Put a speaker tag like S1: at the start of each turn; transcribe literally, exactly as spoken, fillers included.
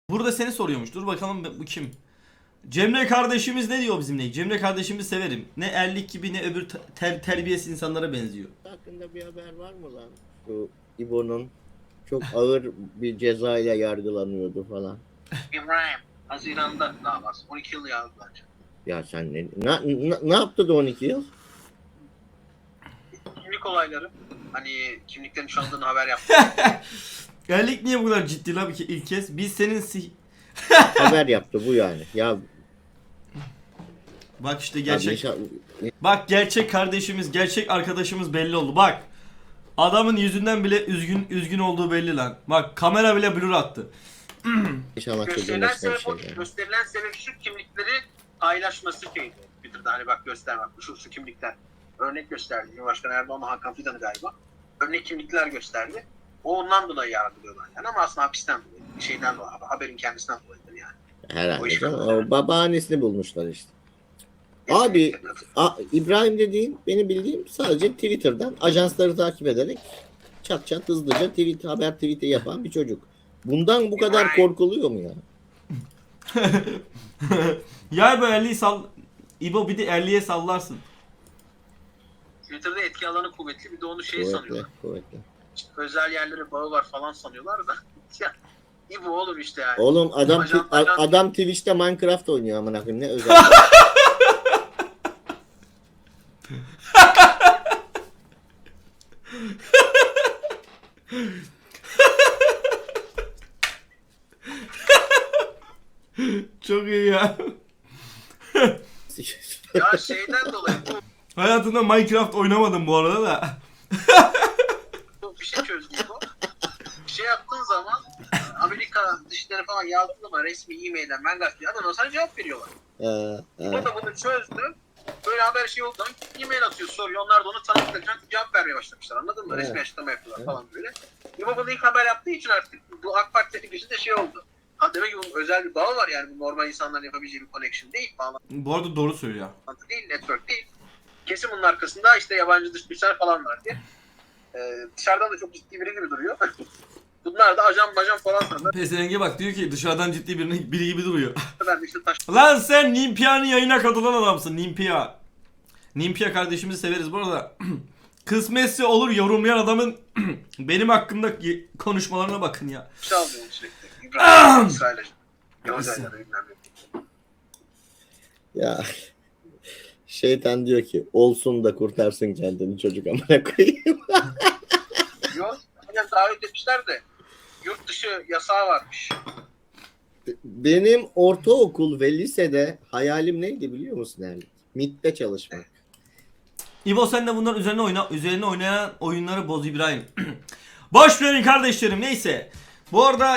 S1: Burada seni soruyormuş. Dur bakalım bu kim? Cemre kardeşimiz ne diyor bizimle? Cemre kardeşimi severim. Ne erlik gibi ne öbür ter terbiyesiz insanlara benziyor.
S2: Hakkında bir haber var mı lan? Şu İbo'nun çok ağır bir ceza ile yargılanıyordu falan.
S3: İbrahim, Haziran'da davası. on iki yıl yazdı bence.
S2: Ya sen ne, na, na- ne yaptı da on iki yıl?
S3: Kimlik olayları. Hani kimliklerin çalındığını haber yaptı.
S1: Erlik niye bu kadar ciddi lan ki ilk kez? Biz senin si
S2: Haber yaptı bu yani. Ya
S1: Bak işte
S2: gerçek...
S1: gerçek. Bak gerçek kardeşimiz, gerçek arkadaşımız belli oldu. Bak. Adamın yüzünden bile üzgün üzgün olduğu belli lan. Bak kamera bile blur attı.
S2: İnşallah
S3: gösterilen
S2: çözülmesine bir
S3: sebep,
S2: şey
S3: o-
S2: yani.
S3: gösterilen sebep şu kimlikleri paylaşması şeydi. Twitter'da hani bak göster bak şu şu kimlikler. Örnek gösterdi. Cumhurbaşkanı Erdoğan Hakan Fidan'ı galiba. Örnek kimlikler gösterdi. O ondan dolayı yargılıyorlar yani ama aslında hapisten dolayı. Bir şeyden dolayı. Haberin kendisinden dolayıdır yani. O
S2: Herhalde
S3: iş
S2: canım.
S3: böyle.
S2: O babaannesini bulmuşlar işte. Abi A, İbrahim dediğin benim bildiğim sadece Twitter'dan ajansları takip ederek çat çat hızlıca tweet, haber tweet'i yapan bir çocuk. Bundan bu kadar
S3: İbrahim.
S2: korkuluyor mu ya?
S1: Ya bu Erli'yi sal... İbo bir de Erli'ye sallarsın.
S3: Twitter'da etki alanı kuvvetli bir de onu şey
S2: Kuvvetli,
S3: sanıyorlar.
S2: kuvvetli.
S3: İşte özel yerlere bağı var falan sanıyorlar da. Ya, iyi bu olur işte yani.
S2: Oğlum adam
S3: Ajan-
S2: a-
S3: ajan-
S2: adam Twitch'te Minecraft oynuyor amına koyayım, ne özel.
S1: Çok iyi ya.
S3: Ya şeyden dolayı bu,
S1: Hayatında Minecraft oynamadım bu arada da.
S3: bu bir şey çözdü bu. Bir şey yaptığın zaman Amerika dışları falan yazdığın zaman resmi e-mailden ben gazeteci adam sana cevap veriyorlar.
S2: Ha,
S3: Bu
S2: ha.
S3: da bunu çözdü. Böyle haber şey oldu zaman e-mail atıyor soruyor. Onlar da onu tanıtlayacak cevap vermeye başlamışlar anladın mı?
S2: Evet.
S3: Resmi açıklama yapıyorlar
S2: Evet.
S3: falan böyle. İbo bunu ilk haber yaptığı için artık bu AK Parti tepkisi de şey oldu. Ha demek ki bunun özel bir bağı var yani bu normal insanların yapabileceği bir connection değil. Bağlantı
S1: Bu arada doğru söylüyor.
S3: değil, network değil. Kesin bunun arkasında işte yabancı dış güçler falan var diye. Ee, dışarıdan da çok ciddi biri gibi duruyor. Bunlar da ajan majan falan sanırlar.
S1: Pezevenge bak diyor ki dışarıdan ciddi birini, biri gibi duruyor.
S3: Ben de işte taş
S1: Lan sen Nimpia'nın yayına katılan adamsın Nimpia. Nimpia kardeşimizi severiz bu arada. Kısmetse olur yorumlayan adamın benim hakkımda konuşmalarına bakın ya.
S3: alıyor sürekli. İbrahim, İsrail ajanı. Yavuz
S1: Nasıl?
S3: ajanı bilmem ne.
S2: Ya şeytan diyor ki olsun da kurtarsın kendini çocuk amına koyayım.
S3: Yok. Aynen davet etmişler de yurt dışı yasağı varmış.
S2: Benim ortaokul ve lisede hayalim neydi biliyor musun Erlik? M İ T'te çalışmak.
S1: İbo sen de bunların üzerine oyna üzerine oynayan oyunları boz İbrahim. Boş verin kardeşlerim neyse. Bu arada